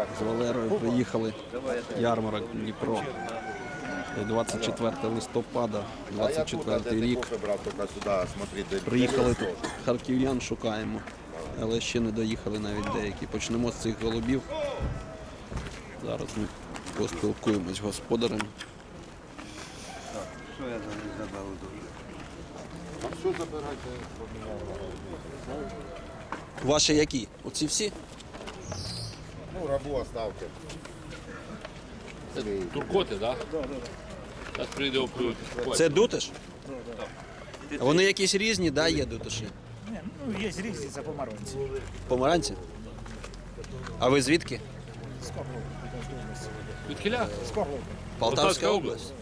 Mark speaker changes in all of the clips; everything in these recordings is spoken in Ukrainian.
Speaker 1: з Валерою приїхали. Ярмарок Дніпро. 24 листопада, 24 рік. Приїхали тут, харків'ян шукаємо, але ще не доїхали навіть деякі. Почнемо з цих голубів. Зараз ми поспілкуємось з господарем.
Speaker 2: Що я забрав дуже?
Speaker 3: А що забирайте?
Speaker 1: Ваші які? Оці всі?
Speaker 3: Ну, рабу оставте.
Speaker 4: Туркоти, так? Так. Зараз прийде опрут.
Speaker 1: Це дутиш? А вони якісь різні, да, є дутиші?
Speaker 5: Ні, ну є різні, це помаранці.
Speaker 1: Помаранці? А ви звідки?
Speaker 5: З Коглова.
Speaker 4: Від Кіля?
Speaker 5: З Коглова.
Speaker 1: Полтавська область?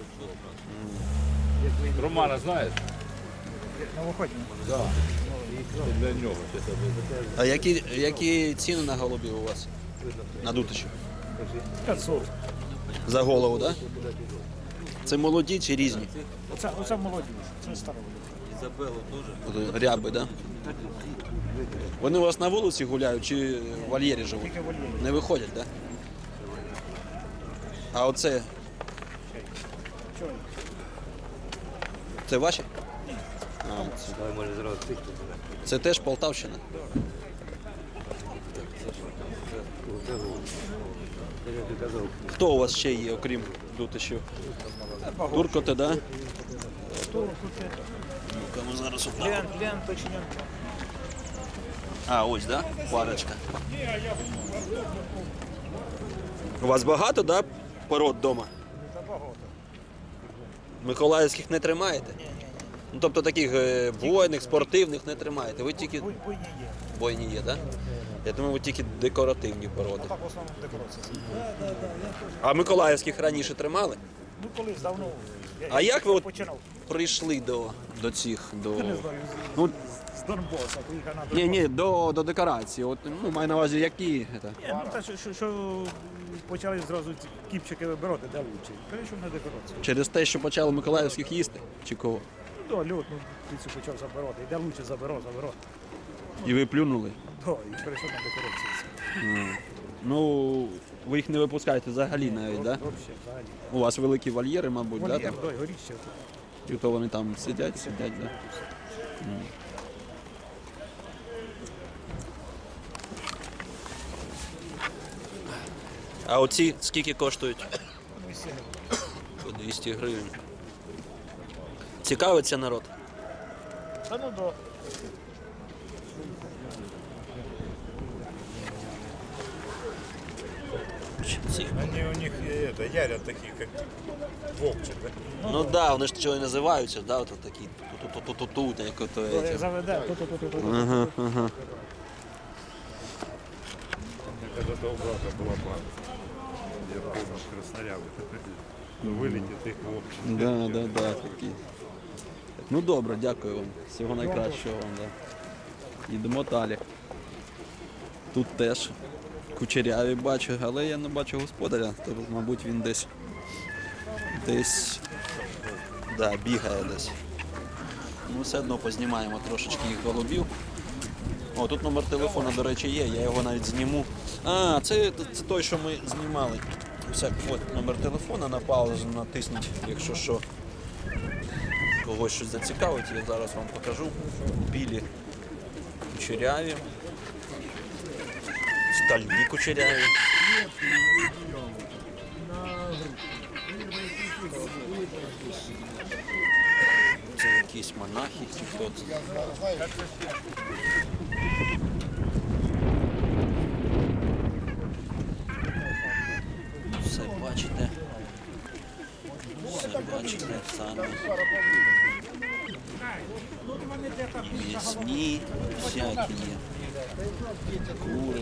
Speaker 4: Романа знаєш?
Speaker 5: Новоходні.
Speaker 4: Так. Для нього.
Speaker 1: А які ціни на голубів у вас? На дутиші?
Speaker 5: 500.
Speaker 1: За голову, так? Да? Це молоді чи різні?
Speaker 5: Оце молоді, це старові.
Speaker 1: От ряби, так? Да? Вони у вас на вулиці гуляють чи в вольєрі живуть?
Speaker 5: Тільки вольєрі.
Speaker 1: Не виходять, так? Да? А оце?
Speaker 5: Чого?
Speaker 1: Це ваші?
Speaker 2: Може зразу тих.
Speaker 1: Це теж Полтавщина? Хто у вас ще є, окрім дутишів? Туркоти, да? Ну-ка, ми зараз
Speaker 5: Лен, точно.
Speaker 1: А, ось, да? Парочка. У вас багато, да, пород вдома?
Speaker 5: Та багато.
Speaker 1: Миколаївських не тримаєте? Ну, тобто таких бойних, спортивних не тримаєте. Ви тільки
Speaker 5: Буйні є.
Speaker 1: бойні є, так? Да? Я думаю, ви тільки декоративні породи.
Speaker 5: Так в основному декорація.
Speaker 1: А миколаївських раніше тримали?
Speaker 5: Ну колись давно.
Speaker 1: А як ви от
Speaker 5: починав?
Speaker 1: прийшли до цих, до...
Speaker 5: Я не знаю,
Speaker 1: Ну,
Speaker 5: з Донбаса поїхав на
Speaker 1: ні,
Speaker 5: Донбас.
Speaker 1: ні, до декорації. От, ну, маю на увазі, які. Це?
Speaker 5: Ні, ну та що почали зразу ці кіпчики вибирати, де лучше. Перейшов на декорацію.
Speaker 1: Через те, що почали миколаївських їсти? Чи кого?
Speaker 5: Ну, да, льот, ну, птицю почав забирати. Де лучше забирав.
Speaker 1: І ви плюнули?
Speaker 5: Да, і перейшов на декорацію.
Speaker 1: Ну, ви їх не випускаєте взагалі навіть, так? Да?
Speaker 5: Взагалі, взагалі.
Speaker 1: У вас великі вольєри, мабуть, так?
Speaker 5: Вольєр,
Speaker 1: Да,
Speaker 5: да, горіще.
Speaker 1: і то вони там сидять, да? А оці скільки коштують? По 200 гривень. Цікавиться народ?
Speaker 5: Та ну до.
Speaker 1: Ці.
Speaker 6: Они у них ярят такие, как вовчик, да?
Speaker 1: Ну так, да, вони ж чого і називаються, да, от такі ту-ту-ту-ту-ту, як ото.
Speaker 5: Як заведе, то.
Speaker 1: Ага, ага.
Speaker 6: Когда-то у брата была банда. Я помню, с Красноярска. Вылетит их вовчик.
Speaker 1: Да, такі. Ну добре, дякую вам. Всього найкращого вам, да. Йдемо далі. Тут теж кучеряві бачу, але я не бачу господаря, то, мабуть, він десь да, бігає десь. Ну, все одно познімаємо трошечки їх голубів. О, тут номер телефона, до речі, є, я його навіть зніму. А, це той, що ми знімали. От номер телефона, на паузу натисніть, якщо що, когось щось зацікавить, я зараз вам покажу. Білі кучеряві, стальні кучеряві. Це якісь монахи, чи хто це. Все бачите. Все бачите самі. М'ясні, всякі є. Кури.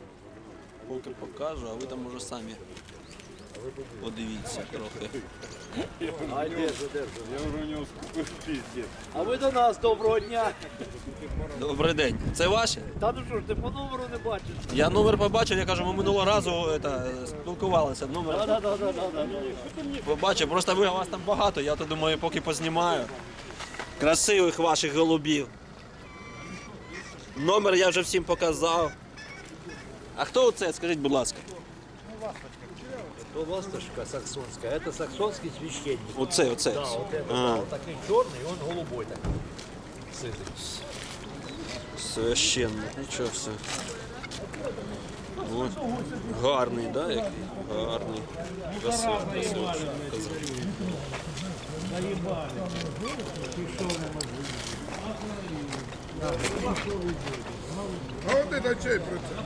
Speaker 1: Поки покажу, а ви там уже самі подивіться трохи.
Speaker 2: А ви до нас доброго дня.
Speaker 1: Добрий день. Це ваші?
Speaker 2: Та ну що ж, ти по номеру не бачиш?
Speaker 1: Я номер побачив, я кажу, ми минулого разу спілкувалися. Номер побачив, просто ви, вас там багато, я то думаю, поки познімаю. Красивих ваших голубів. Номер я вже всім показав. А хто це, скажіть, будь ласка?
Speaker 2: То ласточка саксонская, это саксонский священник.
Speaker 1: Оце.
Speaker 2: Да, вот это,
Speaker 1: А.
Speaker 2: вот такой черный, и он голубой такой. Сытый.
Speaker 1: Священник, нічого все. Ось. Гарний, да, який? Гарний. Красивий.
Speaker 3: А от це чей процент?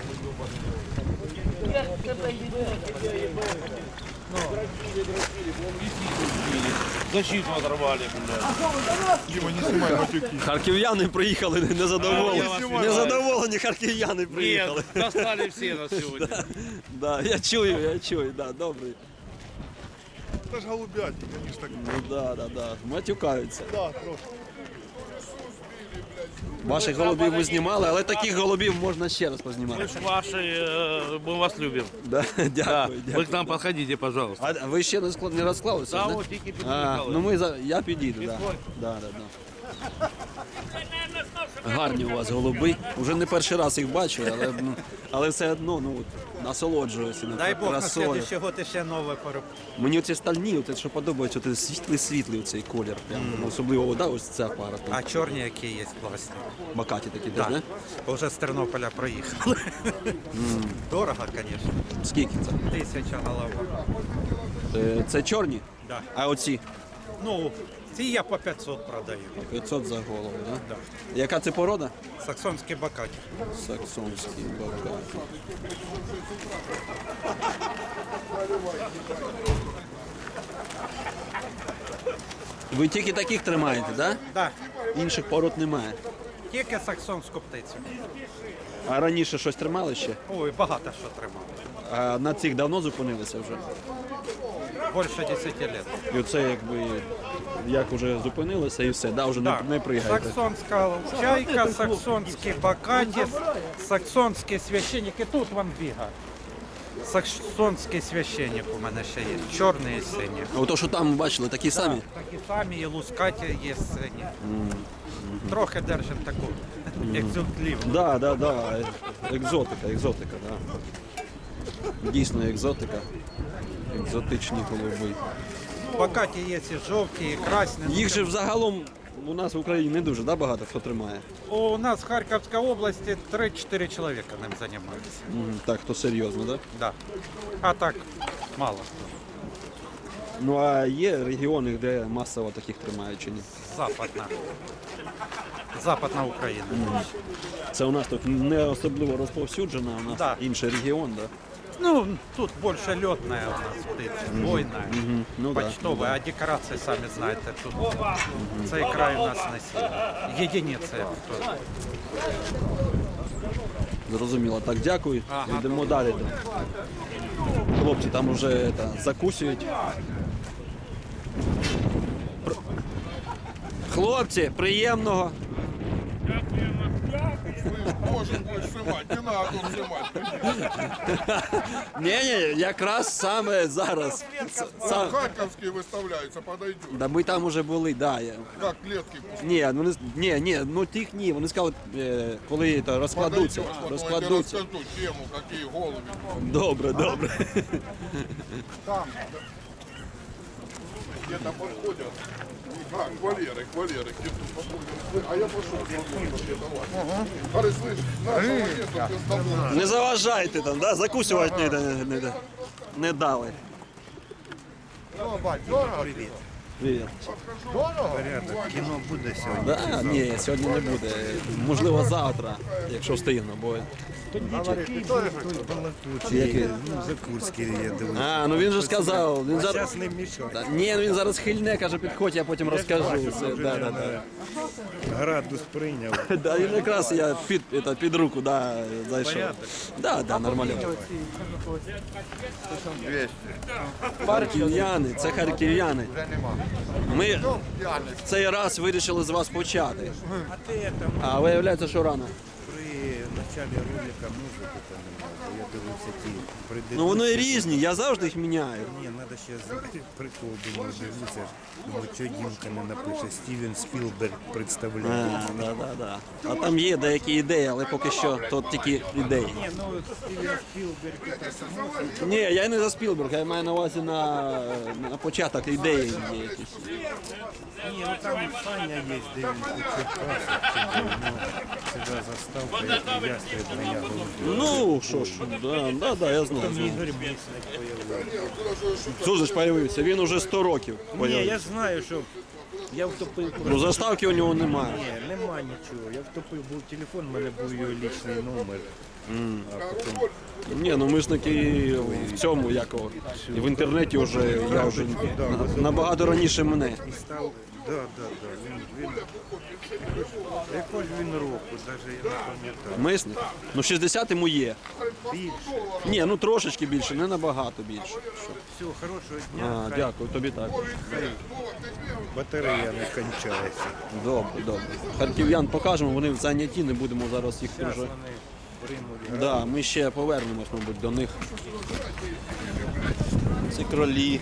Speaker 6: Защиту оторвали, блядь. Дима, не снимай матюки.
Speaker 1: Харків'яни приїхали незадоволені. Незадоволені харків'яни приїхали.
Speaker 4: Достали все на сегодня.
Speaker 1: Да, я чую, да, добрий.
Speaker 6: Это ж голубятник, они ж так...
Speaker 1: Ну да. Матюкаються.
Speaker 6: Да, трошки.
Speaker 1: Ваших голубів ми знімали, але таких голубів можна ще раз познімати.
Speaker 7: Мы ж ваши, мы вас любим.
Speaker 1: Да,
Speaker 7: Да.
Speaker 1: дякую,
Speaker 7: Вы
Speaker 1: дякую.
Speaker 7: к нам подходите, пожалуйста.
Speaker 1: А ви ще не розклалися?
Speaker 7: Да,
Speaker 1: не?
Speaker 7: вот тільки
Speaker 1: Ну ми я підійду, да. Да. Гарні у вас голуби. Уже не перший раз їх бачу, але все одно насолоджуюся.
Speaker 8: Дай Бог, на
Speaker 1: красою.
Speaker 8: следующий год ще нове пороб.
Speaker 1: Мені оці стальні, оце, що подобається, оце світлий цей колір. Прям. Особливо да, ось ця пара. Там.
Speaker 8: А чорні які є класні.
Speaker 1: Бакаті такі теж, не?
Speaker 8: Вже з Тернополя проїхали. Дорого, звісно.
Speaker 1: Скільки це?
Speaker 8: 1000 голова.
Speaker 1: Це чорні?
Speaker 8: Да.
Speaker 1: А оці?
Speaker 8: Ну, ці я по 500 продаю.
Speaker 1: 500 за голову, да?
Speaker 8: Да.
Speaker 1: Яка це порода?
Speaker 8: Саксонські бакаті.
Speaker 1: Саксонський бакаті. Ви тільки таких тримаєте, так? Да?
Speaker 8: Да.
Speaker 1: Інших пород немає.
Speaker 8: Тільки саксонську птицю.
Speaker 1: А раніше щось тримали ще?
Speaker 8: Ой, багато що тримав.
Speaker 1: А на цих давно зупинилися вже?
Speaker 8: Більше 10 років.
Speaker 1: І оце якби як вже зупинилися і все, да, вже
Speaker 8: Да.
Speaker 1: не пригаєте.
Speaker 8: Саксонська чайка, саксонські бакаті, саксонські священники. Тут вам бігає. Саксонський священник у мене ще є. Чорний і синій.
Speaker 1: А ото, що там бачили, такі самі?
Speaker 8: Такі самі, і лускаті є сині. Трохи держимо таку екзотлівну.
Speaker 1: Да. Екзотика, да. Дійсно екзотика. Екзотичні голуби.
Speaker 8: Бакаті є і жовті, і красні.
Speaker 1: Їх же взагалом у нас в Україні не дуже багато хто тримає.
Speaker 8: У нас в Харківській області 3-4 чоловіка ним займаються.
Speaker 1: Так, то серйозно, так?
Speaker 8: Да. А так, мало.
Speaker 1: Ну а є регіони, де масово таких тримають чи ні?
Speaker 8: Западна Україна.
Speaker 1: Це у нас тут не особливо розповсюджено, у нас
Speaker 8: Да.
Speaker 1: інший регіон, так?
Speaker 8: Ну, тут більше льотна у нас птиця, бойна,
Speaker 1: Ну, да.
Speaker 8: почтова, а декорації, самі знаєте, тут цей край у нас не сильно. Єдиниці.
Speaker 1: Зрозуміло. Так, дякую.
Speaker 8: Ага.
Speaker 1: Йдемо далі. Хлопці там вже закусують. Хлопці, приємного.
Speaker 3: Боже, будеш знімати, не треба знімати.
Speaker 1: Ні, якраз саме зараз.
Speaker 3: Харківський виставляється, подойдет.
Speaker 1: Да ми там уже були, да.
Speaker 3: Як клетки
Speaker 1: Ні, ну тих ні. Вони сказали, коли то розкладуться.
Speaker 3: подойдет.
Speaker 1: Розкладуться.
Speaker 3: Я розкажу тему, які голуби.
Speaker 1: Добре.
Speaker 3: Где-то подходят. А, Валерик. А я пошел. Говорит, слышь, нашего нету, без тобой.
Speaker 1: Не заважайте там, да? Закусувати не дали. Привіт.
Speaker 8: Кіно буде сьогодні.
Speaker 1: Да? Ні, сьогодні не буде. Можливо, завтра, якщо встигну, бо Який?
Speaker 6: Ну, Закурський я дивився.
Speaker 1: А, ну він же сказав. Він зараз...
Speaker 6: Зараз не мішав.
Speaker 1: Ні, ну він зараз хильне, каже, підходь, я потім розкажу. Все. Да.
Speaker 6: Градус прийняв.
Speaker 1: Да, він якраз я під руку зайшов. Да, нормально. Харків'яни, це харків'яни. Ми в цей раз вирішили з вас почати. А виявляється, що рано.
Speaker 6: При началі ролика музику там немає, бо я дивився ті предыдущі.
Speaker 1: Ну вони різні, я завжди їх міняю.
Speaker 6: Ні, треба ще знайти прикол, думаю, дивлюся. Думаю, що Дімка не напише. Стівен Спілберг представляє.
Speaker 1: Да. А там є деякі ідеї, але поки що то тільки ідеї.
Speaker 6: Ні, ну Стівен Спілберг це само.
Speaker 1: Ні, я не за Спілберг, я маю на увазі на початок ідеї є якісь.
Speaker 6: Ні, ну там Саня є, де він у Черкасах, чи де, ну, себе заставка, як ястреб на ягоду.
Speaker 1: Ну, що ж, да, я знаю.
Speaker 6: Там Ігор Місник появився.
Speaker 1: Що ж появився? Він уже 100 років
Speaker 6: Ні,
Speaker 1: появився.
Speaker 6: я знаю, що я втопив.
Speaker 1: Ну заставки у нього немає.
Speaker 6: Ні, нема нічого. Я втопив, був телефон, в мене був його лічний номер. А потім
Speaker 1: Ні, ну ми ж таки в цьому якого. І в інтернеті вже я вже набагато раніше мене.
Speaker 6: і став. Він якось він року, навіть я не пам'ятаю.
Speaker 1: Мисник? Ну 60 йому є.
Speaker 6: Більше.
Speaker 1: Ні, ну трошечки більше, не набагато більше.
Speaker 6: Все, хорошого дня.
Speaker 1: А, дякую, тобі так.
Speaker 6: Хай батарея не кончається.
Speaker 1: Добре. Харків'ян покажемо, вони зайняті, не будемо зараз їх
Speaker 6: Зараз
Speaker 1: вже.
Speaker 6: вони приймуть.
Speaker 1: Да, ми ще повернемось, мабуть, до них. Ці кролі.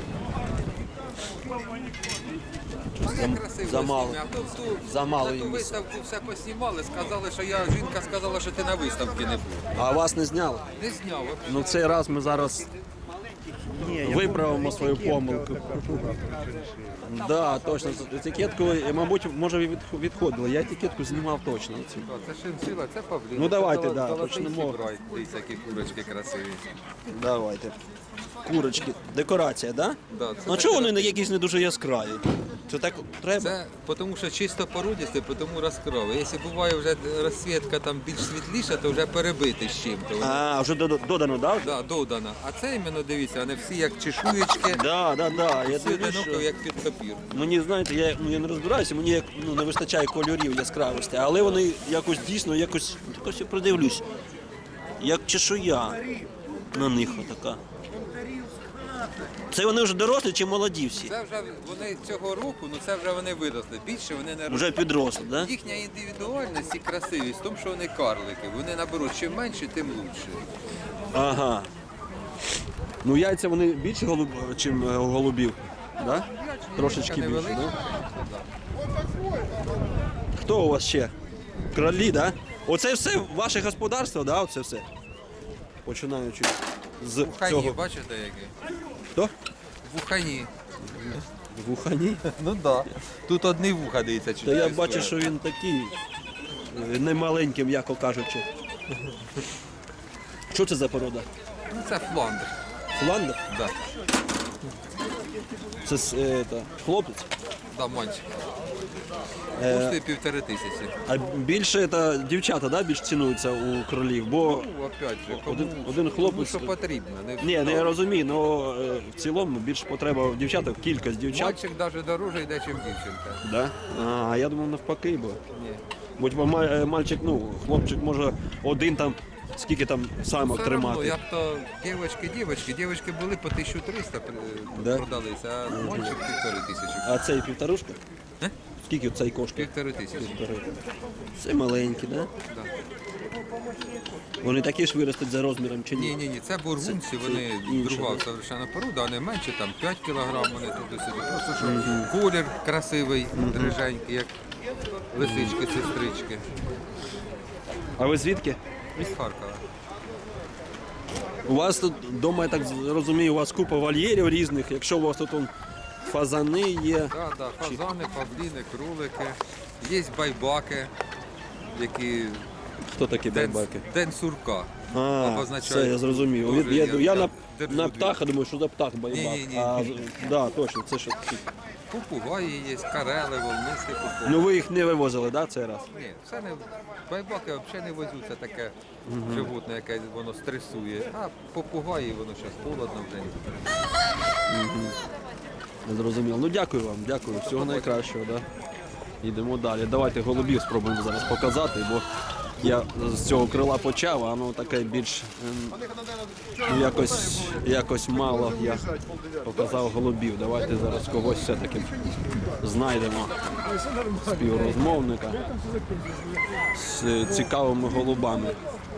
Speaker 1: Замало. Замало
Speaker 9: На ту
Speaker 1: їм.
Speaker 9: виставку все поснімали, сказали, що жінка сказала, що ти на виставці не був.
Speaker 1: А вас не зняли?
Speaker 9: Не зняв. взагалі.
Speaker 1: Ну цей раз ми зараз виправимо свою помилку. Да, точно. Етикетку, мабуть, може відходило. Я етикетку знімав точно. Цю.
Speaker 9: Це шиншила, це павлін.
Speaker 1: Ну, давайте,
Speaker 9: Це
Speaker 1: да,
Speaker 9: золотий
Speaker 1: почнемо.
Speaker 9: фібрай. Дивіться, які курочки красиві.
Speaker 1: Давайте. Курочки. Декорація, так?
Speaker 9: Да,
Speaker 1: Да?
Speaker 9: це
Speaker 1: Ну чого вони не якісь не дуже яскраві? Це так треба?
Speaker 9: Це тому, що чисто породісте, тому розкрови. Якщо буває вже розсвітка там більш світліша, то вже перебити з чим-то.
Speaker 1: А, вже додано, так?
Speaker 9: Да, додана. А це іменно дивіться, вони всі як чешуєчки,
Speaker 1: Да. Я
Speaker 9: всі
Speaker 1: дивлюсь,
Speaker 9: одиноко,
Speaker 1: що
Speaker 9: як під папір.
Speaker 1: мені, знаєте, я не розбираюся, мені не вистачає кольорів яскравості, але вони якось дійсно, якось я придивлюсь, як чешуя на них отака. Це вони вже дорослі чи молоді всі?
Speaker 9: Це вже вони цього року, це вже вони виросли. Більше вони не
Speaker 1: Вже підросли, так? Да?
Speaker 9: Їхня індивідуальність і красивість в тому, що вони карлики. Вони наберуть чим менше, тим краще.
Speaker 1: Ага. Ну яйця вони більше чим голубів, да? Трошечки більше, да? Хто у вас ще? Кролі, да? Оце все ваше господарство, да? Оце все? Починаючи з
Speaker 9: Вухані,
Speaker 1: цього.
Speaker 9: бачите які?
Speaker 1: Хто?
Speaker 9: Вухані.
Speaker 1: Вухані?
Speaker 9: Ну так. Да. Тут одні вуха, дивіться,
Speaker 1: Та я бачу, що він такий не маленький, м'яко кажучи. Що це за порода?
Speaker 9: Ну, це фландр.
Speaker 1: Фландер?
Speaker 9: Да.
Speaker 1: Це хлопець?
Speaker 9: Да, мальчик. Коштує 1500.
Speaker 1: А більше це дівчата, да, більш цінуються у кролів, бо
Speaker 9: Ну, опять же, кому,
Speaker 1: один
Speaker 9: кому
Speaker 1: хлопець.
Speaker 9: що потрібно.
Speaker 1: Ні, не я розумію, але в цілому більш потреба в дівчатах, кількість дівчат.
Speaker 9: Мальчик навіть дороже йде, ніж дівчинка.
Speaker 1: Да? А я думав навпаки, бо.
Speaker 9: Ні.
Speaker 1: Бо мальчик, хлопчик може один там, скільки там самок
Speaker 9: Все равно,
Speaker 1: тримати.
Speaker 9: як то дівчатки були по 1300
Speaker 1: Да?
Speaker 9: продалися, а мальчик 1500.
Speaker 1: А цей півторушка?
Speaker 9: Е?
Speaker 1: Скільки цей коштує?
Speaker 9: 1500.
Speaker 1: Це маленькі, да?
Speaker 9: Да.
Speaker 1: Вони такі ж виростуть за розміром чи ні?
Speaker 9: Ні, це бургунці, вони
Speaker 1: інше,
Speaker 9: друга совершенно порода, вони менше, там 5 кг, вони туди-сюди. Просто що колір красивий, дриженький, як лисички, сестрички.
Speaker 1: А ви звідки?
Speaker 9: Із Харкова.
Speaker 1: У вас тут вдома, я так розумію, у вас купа вольєрів різних. Якщо у вас тут фазани є.
Speaker 9: Так, фазани, павліни, кролики. Є байбаки, які
Speaker 1: Хто такі
Speaker 9: День,
Speaker 1: байбаки?
Speaker 9: день сурка.
Speaker 1: А,
Speaker 9: обозначає.
Speaker 1: все, я зрозумів.
Speaker 9: Дуже
Speaker 1: Я
Speaker 9: я
Speaker 1: на
Speaker 9: держу
Speaker 1: птаха думаю, що за птах байбак.
Speaker 9: Ні-ні-ні.
Speaker 1: А, да, точно, це що такі.
Speaker 9: Попугаї є, карели, волнисті попугаї.
Speaker 1: Ну ви їх не вивозили, да, цей раз?
Speaker 9: Ні, це не байбаки взагалі не везуть, це таке животне, яке воно стресує. А попугаї, воно зараз холодно вже.
Speaker 1: Не зрозуміло. Ну дякую вам, дякую. Всього найкращого, да. Йдемо далі. Давайте голубів спробуємо зараз показати, бо я з цього крила почав, а воно таке більш ну, якось мало я показав голубів. Давайте зараз когось все-таки знайдемо співрозмовника з цікавими голубами.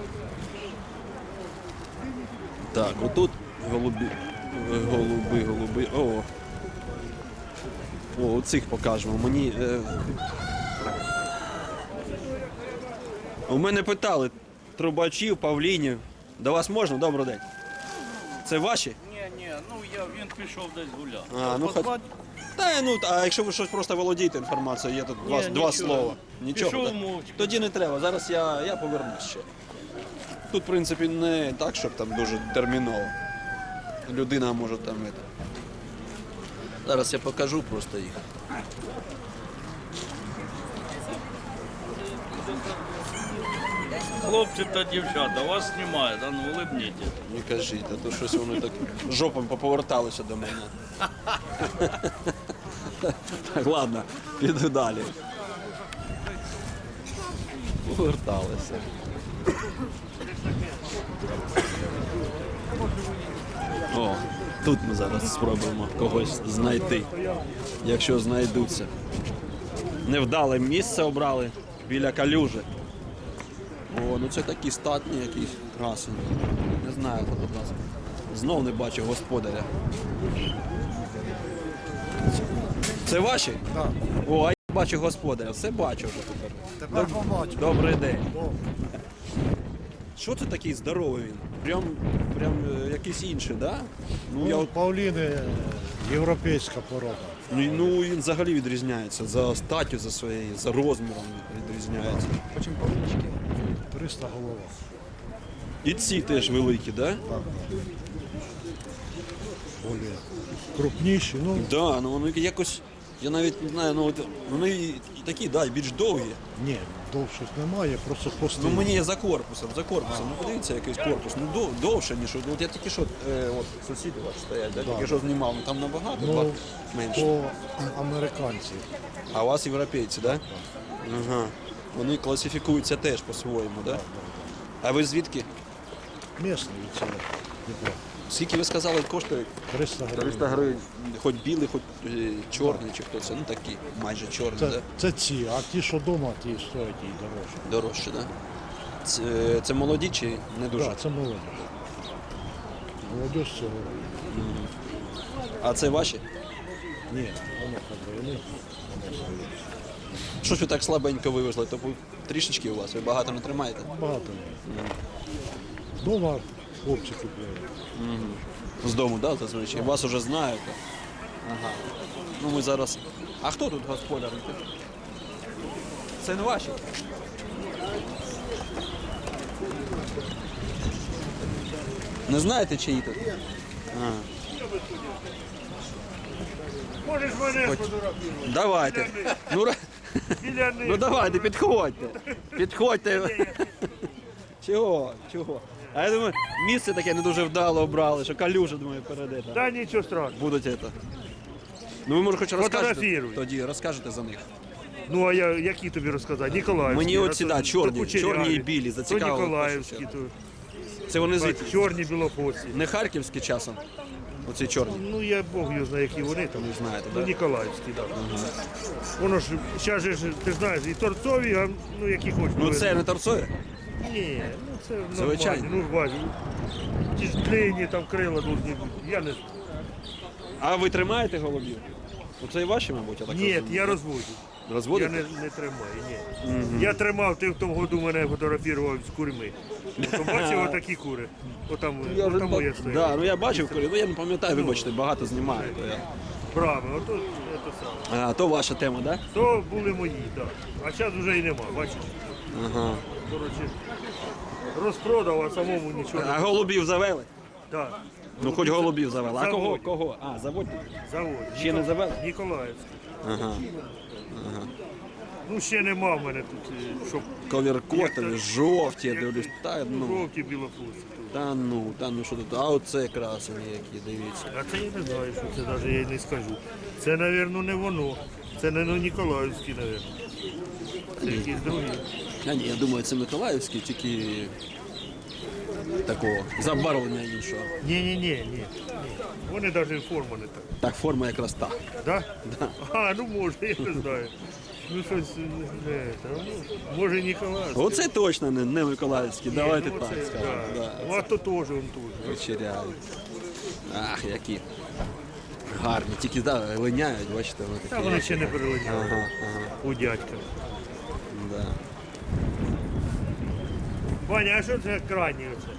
Speaker 1: Так, отут голуби. О, цих покажемо. Мені. У мене питали трубачів, павлінів. До вас можна? Добрий день. Це ваші?
Speaker 4: Ні, ну він пішов десь гуляти.
Speaker 1: А, ну, а якщо ви щось просто володієте інформацією, є тут два
Speaker 4: нічого.
Speaker 1: слова. Нічого.
Speaker 4: Пішов
Speaker 1: так?
Speaker 4: мовчки.
Speaker 1: Тоді не треба. Зараз я повернусь ще. Тут, в принципі, не так, щоб там дуже терміново. Людина може там. Зараз я покажу просто їх.
Speaker 4: Хлопці та дівчата, вас знімають, а ну улибніть.
Speaker 1: Не кажіть, а то щось вони так жопом поповерталися до мене. Так, ладно, піду далі. Поверталися. О, тут ми зараз спробуємо когось знайти, якщо знайдуться. Невдале місце обрали біля калюжі. О, ну це такі статні якісь красені. Не знаю, хто тут нас. Знов не бачу господаря. Це ваші? Так. О, а я бачу господаря, все бачу вже тепер.
Speaker 2: Тепер побачу.
Speaker 1: Добрий день. Що це такий здоровий він? Прям якийсь інший, так? Да? Ну, я от,
Speaker 2: Павліни європейська порода.
Speaker 1: ну він взагалі відрізняється. За статтю, за своєю, за розміром відрізняється. Почем павлінчики?
Speaker 2: 300 голова.
Speaker 1: І ці теж великі, так? Да?
Speaker 2: Более крупніші, ну
Speaker 1: Да, ну вони якось, я навіть не знаю, ну от вони і такі, да, і більш довгі.
Speaker 2: ні, довших немає, просто
Speaker 1: Ну
Speaker 2: постійно.
Speaker 1: мені є за корпусом. Ну подивіться, якийсь корпус. Ну довше, ніж. От я тільки що, от сусіди ваші стоять, да? Тільки що знімав, ну там набагато
Speaker 2: Ну,
Speaker 1: менше.
Speaker 2: по американці.
Speaker 1: А у вас європейці, так? Да? Ага. Вони класифікуються теж по-своєму, так? Да? А ви звідки?
Speaker 2: Місний від цього Дніпра.
Speaker 1: Скільки ви сказали, коштує?
Speaker 2: 300 гривень.
Speaker 1: 300 гривень. Хоч білий, хоч чорний, чи хто це. Ну такі, майже чорні, так?
Speaker 2: Це ці, а ті, що вдома, ті стоять і дорожче.
Speaker 1: Дорожче, так? Да? Це молоді чи не дуже?
Speaker 2: Так, це молодь. Молодь цього.
Speaker 1: А це ваші?
Speaker 2: Ні, воно як би,
Speaker 1: Що ж ви так слабенько вивезли? То трішечки у вас, ви багато не тримаєте?
Speaker 2: багато. Дома хлопці купляють.
Speaker 1: З дому, так, да, зазвичай? Вас уже знають. Ага. Ну ми зараз. А хто тут господар? Це не ваші? Не знаєте, чиї тут? А.
Speaker 5: Можеш мене
Speaker 1: Давайте. Ну давайте, підходьте. Підходьте. Чого? А я думаю, місце таке не дуже вдало обрали, що калюжа, думаю, перейдете.
Speaker 5: Та нічого страшного.
Speaker 1: Будуть це. Ну ви може хоч розкажете.
Speaker 5: Фотографіруй.
Speaker 1: Тоді розкажете за них.
Speaker 5: Ну а я які тобі розказати? Ніколаївські.
Speaker 1: Мені оці, да, чорні,
Speaker 5: то кучеряві,
Speaker 1: чорні і білі, зацікавили.
Speaker 5: То Ніколаївські, то
Speaker 1: Це вони звідки?
Speaker 5: чорні білохвості.
Speaker 1: Не харківські часом? Оці чорні.
Speaker 5: Ну я Бог його знає, які вони там.
Speaker 1: Не знаєте,
Speaker 5: Ну,
Speaker 1: так?
Speaker 5: Ніколаївські, так. Воно ж, зараз же, ж, ти знаєш, і торцові, а ну які хочеш.
Speaker 1: Ну це не торцові?
Speaker 5: Ні, ну це
Speaker 1: Звичайно.
Speaker 5: нормально. Ну бачу. Ті ж длинні там крила должні бути. Я не
Speaker 1: А ви тримаєте голубів? Оце і ваші, мабуть, я так
Speaker 5: Ні,
Speaker 1: розумію.
Speaker 5: я розводжу. Я
Speaker 1: Розводите?
Speaker 5: не тримаю, ні. Я тримав, ти в тому году мене фотографував з курми. Ото бачив отакі кури. Отам, отам я стояв.
Speaker 1: Да, ну я бачив, коли, ну я не пам'ятаю, вибачте, багато знімаю. То, я...
Speaker 5: Правильно, ото це саме.
Speaker 1: То ваша тема, так? Да?
Speaker 5: То були мої, так. А зараз вже і нема, бачиш.
Speaker 1: Ага.
Speaker 5: коротше, розпродав, а самому нічого
Speaker 1: А
Speaker 5: не
Speaker 1: голубів завели?
Speaker 5: так.
Speaker 1: Ну хоч голубів завели. А кого?
Speaker 5: Заводять.
Speaker 1: Кого? А, заводять?
Speaker 5: Завод.
Speaker 1: Ще не завели?
Speaker 5: Ніколаївський.
Speaker 1: Ага.
Speaker 5: Ну ще нема в мене тут, щоб
Speaker 1: Ковіркотові, жовті, я дивлюсь. Та ну,
Speaker 5: жовті білофуси.
Speaker 1: та ну що тут. А оце красені які, дивіться.
Speaker 5: А це я не знаю, що це навіть я й не скажу. Це, мабуть, не воно. Це не Ніколаївський, мабуть. Це якісь другі.
Speaker 1: А ні, я думаю, це Миколаївський, тільки такого забарвлення іншого.
Speaker 5: Ні. Вони навіть форма не так.
Speaker 1: Так, форма якраз та.
Speaker 5: Да?
Speaker 1: Да.
Speaker 5: А, ну може, я не знаю. Ну щось, не, та, ну, може Ніколаївський.
Speaker 1: Оце точно не Миколаївський, давайте
Speaker 5: Ну,
Speaker 1: так
Speaker 5: оце,
Speaker 1: скажемо.
Speaker 5: да.
Speaker 1: Да.
Speaker 5: Ну, а то теж он тут.
Speaker 1: Вечеряють. Ах, які гарні. Тільки да, линяють, бачите, вони такі.
Speaker 5: Та вони ще не перелиняли
Speaker 1: Ага.
Speaker 5: у дядька.
Speaker 1: Да.
Speaker 5: Ваня, а що це крайні оце?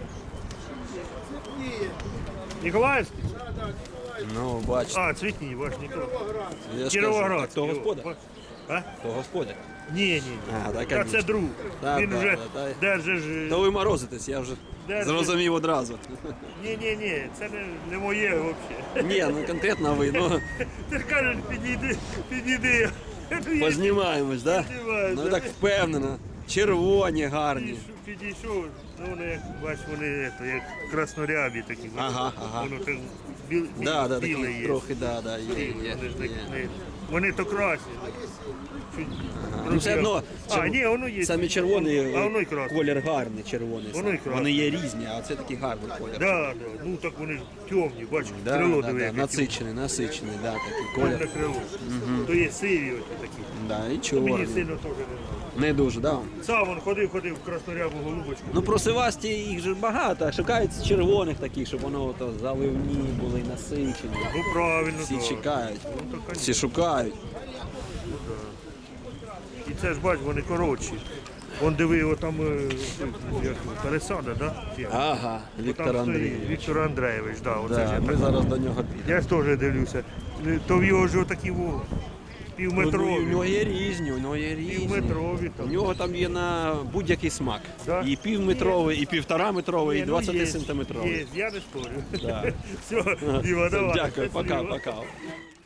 Speaker 5: Ніколаївський?
Speaker 1: Ну, бачите.
Speaker 5: А, цвітні, ваш Ніколаївський.
Speaker 1: Я ж кажу,
Speaker 5: Кіровоградський.
Speaker 1: так, то господар.
Speaker 5: А?
Speaker 1: То господар.
Speaker 5: Ні.
Speaker 1: А, так,
Speaker 5: Та це
Speaker 1: конечно.
Speaker 5: друг.
Speaker 1: Да,
Speaker 5: Він
Speaker 1: да,
Speaker 5: вже
Speaker 1: да, да.
Speaker 5: держиш.
Speaker 1: То ви морозитесь, я вже зрозумів одразу.
Speaker 5: Ні, це не моє взагалі.
Speaker 1: Ні, ну конкретно ви, ну
Speaker 5: Ти ж кажеш, підійди.
Speaker 1: познімаємось, так? Да?
Speaker 5: Познімаємось,
Speaker 1: Ну
Speaker 5: да.
Speaker 1: так впевнено. Червоні, гарні.
Speaker 5: Підійшов, ну вони як бачиш, вони як краснорябі такі.
Speaker 1: Ага.
Speaker 5: Воно так
Speaker 1: Да,
Speaker 5: біле
Speaker 1: такі
Speaker 5: є.
Speaker 1: трохи, є.
Speaker 5: Вони ж вони то красні.
Speaker 1: Ну, все одно,
Speaker 5: ні, воно є.
Speaker 1: самі червоні,
Speaker 5: А воно і красне.
Speaker 1: колір гарний червоний.
Speaker 5: Воно і красне.
Speaker 1: Вони є різні, а це такий гарний колір.
Speaker 5: Да. Ну так вони ж темні, бачиш, крило диви, яке
Speaker 1: Насичений, да, такий
Speaker 5: темне
Speaker 1: колір.
Speaker 5: крило. То є сиві оті такі.
Speaker 1: Да, і
Speaker 5: Мені
Speaker 1: чорний.
Speaker 5: сильно теж не
Speaker 1: Не дуже, да.
Speaker 5: Сам он ходив в краснорябу голубочку.
Speaker 1: Ну просивасті їх же багато, а шукають червоних таких, щоб воно то заливні були, насичені.
Speaker 5: Ну правильно,
Speaker 1: Всі
Speaker 5: да.
Speaker 1: чекають,
Speaker 5: Ну, то, конечно.
Speaker 1: всі шукають.
Speaker 5: І це ж бач, вони коротші. Вон диви, отам як, пересада, да? Чи як?
Speaker 1: Ага,
Speaker 5: Отам
Speaker 1: Віктор
Speaker 5: стоїть
Speaker 1: Андрійович.
Speaker 5: Віктор Андрійович, да, оце ж
Speaker 1: Да,
Speaker 5: я
Speaker 1: ми
Speaker 5: так.
Speaker 1: зараз до нього підемо.
Speaker 5: Я ж теж дивлюся. То в його ж отакі
Speaker 1: Ну,
Speaker 5: півметрові.
Speaker 1: у нього є різні, у нього є різні.
Speaker 5: Півметрові
Speaker 1: У
Speaker 5: там.
Speaker 1: нього там є на будь-який смак.
Speaker 5: Да?
Speaker 1: І півметровий, і півтораметровий, і
Speaker 5: Ні, ну,
Speaker 1: 20
Speaker 5: є,
Speaker 1: сантиметровий.
Speaker 5: Є, я не спорю.
Speaker 1: Да.
Speaker 5: Все, Діма, давай.
Speaker 1: Дякую,
Speaker 5: Щасливо.
Speaker 1: пока.